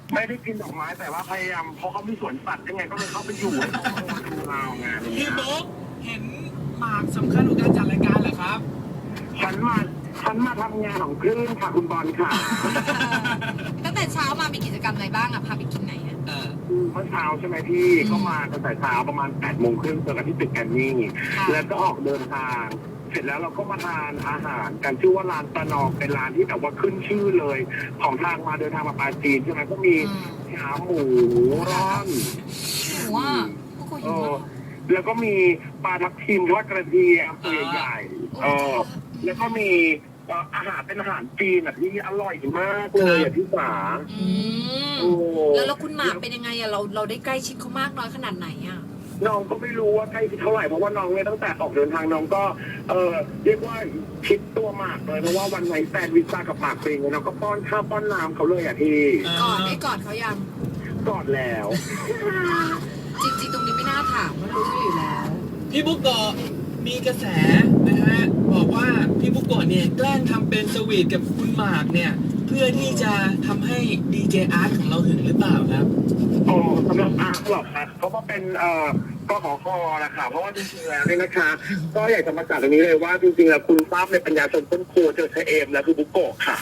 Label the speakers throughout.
Speaker 1: ไม่ได้กินดอกไม้แต่ว่าพยายามเพราะเขามีสวนสัตว์ยังไงก็เลยเข้าไปอยู่ให้เขามาดูเราไง
Speaker 2: พี่บุ๊กเห็นหมากสำคัญของการจัดรายการเหรอครับ
Speaker 1: ฉันมาทำงานของคลื่นค่ะคุณบอลค่ะ
Speaker 3: ตั้งแต่เช้ามามีกิจกรรมอะไรบ้างอะพาไปกินไหนอะ
Speaker 1: เมื่อเช้าใช่ไหมพี่ก็มาตั้งแต่เช้าประมาณ8 โมงครึ่งเจอกันที่ตึกแกรมมี่แล้วก็ออกเดินทาง เสร็จแล้วเราก็มาทานอาหารกันชื่อว่าร้านตะนองเป็นร้านที่แบบว่าขึ้นชื่อเลย ของทางมาเดินทางมาปาจีนใช่ไหมก็มีขาหมูร้อน
Speaker 3: หนูว่าพวกกูหิวมาก
Speaker 1: แล้วก็มีปลาทับทิมทอดกระเทียมตัวใหญ่แล้วก็มีอาหารเป็นอาหารจีนที่อร่อยมากเลยพี่สา
Speaker 3: แล้วคุณหมากเป็นยังไงอะเราได้ใกล้ชิดเขามากน้อยขนาดไหนอะ
Speaker 1: น้องก็ไม่รู้ว่าใกล้เท่าไหร่เพราะว่าน้องเนี่ยตั้งแต่ออกเดินทางน้องก็เรียกว่าคิดตัวหมากเลยเพราะว่าวันไหนแฟนวิซ่ากับหมากเองน้องก็ป้อนข้าวป้อนน้ำเขาเลยพี่
Speaker 3: ได้กอดเขายัง
Speaker 1: กอดแล้ว
Speaker 3: จริงๆตรงนี้ไม่น่าถามมันรู้อยู่แล้ว
Speaker 2: พี่บุ๊กโกะมีกระแสนะฮะบอกว่าพี่บุ๊กโกะเนี่ยแกล้งทำเป็นสวีทกับคุณหมากเนี่ยเพื่อที่จะทำให้ดีเจอาร์ตของเราหึงหรือเปล่าครับ
Speaker 1: สำหรับอาร์ตหรอกครับเพราะว่าเป็นก็ขอคอนะคะเพราะว่าจริงๆแล้วเนี่ยนะคะก็อยากจะมาจากตรงนี้เลยว่าจริงๆแล้วคุณทราบในปัญญาชนต้นโคเจอเชเอมแล้วคือบุกโกะค่ะ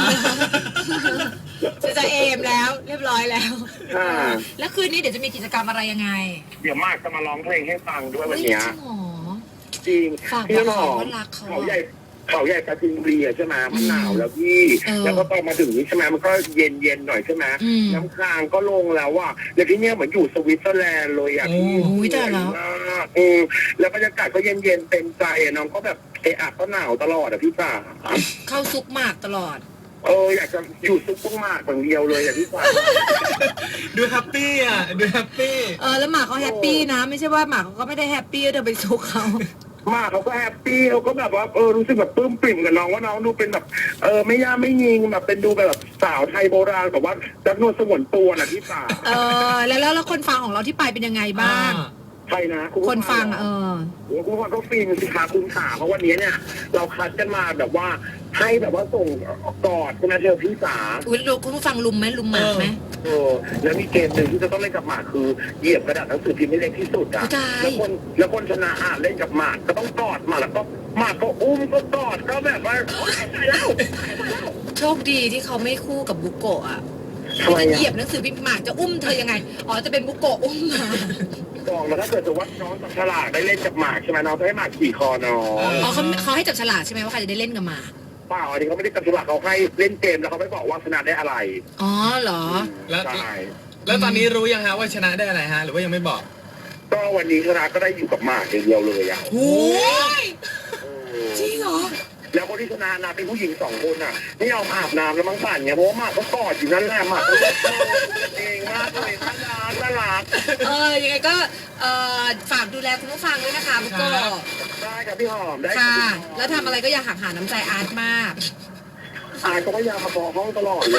Speaker 3: จะเอมแล้วเรียบร้อยแล้วแล้วคืนนี้เดี๋ยวจะมีกิจกรรมอะไรยังไง
Speaker 1: เดี๋ยวมากจะมาร้องเพลงให้ฟังด้วยวันนี้จริง
Speaker 3: พี่หอม
Speaker 1: เขาใหญ่ปราจีนบุรีใช่ไหมมันหนาวแล้วพี่แล้วก็ตอนมาถึงนี้ใช่ไหมมันก็เย็นหน่อยใช่ไหมน้ำค้างก็ลงแล้วอ่ะแล้วที่เนี้ยเหมือนอยู่สวิตเซอร์แลนด์เลยอ่ะ
Speaker 3: พี่แต่แล้ว
Speaker 1: แล้วบรรยากาศก็เย็นเป็นใจน้องก็แบบก็หนาวตลอดอ่ะพี่จ๋า
Speaker 3: เข้าซุกหมากตลอด
Speaker 1: อยากจะอยู่ซุกพวกหมากอย่างเดียวเลยอ่ะพี่จ๋า
Speaker 2: ดูแฮปปี้อ่ะดูแฮปปี้
Speaker 3: แล้วหมากเขาแฮปปี้นะไม่ใช่ว่าหมากเขาก็ไม่ได้แฮปปี้เธอไปซุกเขา
Speaker 1: มากเขาก็แฮปปี้เขาก็แบบว่ารู้สึกแบบปลื้มปริ่มกับน้องว่าน้องดูเป็นแบบไม่ย่าไม่ยิงแบบเป็นดูแบบสาวไทยโบราณแบบว่าจักนวดสงวนตัวน่ะที่ป่า
Speaker 3: แล้วคนฟังของเราที่ไปเป็นยังไงบ้าง
Speaker 1: ใช่นะ
Speaker 3: คนฟัง
Speaker 1: คุณฟังก็ฟินสิคะคุณขาเพราะวันนี้เนี่ยเราคัดกันมาแบบว่าให้แบบว่าส่งกอดคุณอาเธอพี่สา
Speaker 3: คุณฟังลุมไหมลุมหมากไหม
Speaker 1: แล้วมีเกมหนึ่งที่จะต้องเล่นกับหมากคือเหยียบกระดาษหนังสือพิมพ์ให้เล็กที่สุดอ่ะแล้วคนชนะเล่นกับหมากก็ต้องกอดหมากแล้วก็หมากก็อุ้มก็กอดก็แบบว่าตายแล้ว
Speaker 3: โชคดีที่เขาไม่คู่กับบุโกะอ่ะจะเหยียบหนังสือพิมพ์หมากจะอุ้มเธอยังไงจะเป็นบุโกะอุ้มมา
Speaker 1: บอกแล้วถ้าเกิดจะวัดน้องจับฉลากได้เล่นกับหมากใช่ไหมน้องจะให้หมากขี่คอน้อง
Speaker 3: เขาให้จับฉลากใช่ไหมว่าใครจะได้เล่นกับหมาก
Speaker 1: เปล่าอันนี้เขาไม่ได้จับฉลากเขาให้เล่นเกมแล้วเขาไม่บอกว่าชนะได้อะไร
Speaker 3: เหรอ
Speaker 2: แล้วตอนนี้รู้ยังฮะว่าชนะได้อะไรฮะหรือว่ายังไม่บอก
Speaker 1: ก็วันนี้ชนะก็ได้อยู่กับหมากอย่างเดียวเลยอ่ะ
Speaker 3: โอ้ยจริงเหรอ
Speaker 1: แล้วคนที่ชนะนะเป็นผู้หญิง2 คนอ่ะไม่ยอมอาบน้ำแล้วมั้งสั่นเนี่ยเพราะว่าหมากก็กอดอยู่นั่นแหละหมากก็เองมากเลยน่ารัก
Speaker 3: ยังไงก็ฝากดูแลคุณผู้ฟังด้วยนะคะบุโกะ
Speaker 1: ได้ครับพี่หอมได้
Speaker 3: ค่ะแล้วทำอะไรก็อย่าหักหาน้ำใจอาร์ตมาก
Speaker 1: อาร์ตก็พยายามมาขอห้องตลอดเลย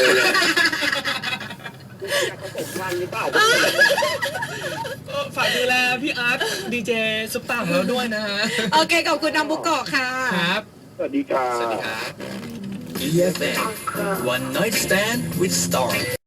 Speaker 1: อยากผสมพันธุ์หรือเปล่า
Speaker 2: ฝากดูแลพี่อาร์ตดีเจซุปตาของเราด้วยนะฮะ
Speaker 3: โอเคขอบคุณน้องบุโกะค่ะ
Speaker 2: ครับ
Speaker 1: สวัสดีครับ
Speaker 2: สวัสดีครับ EFM One Night Stand with Star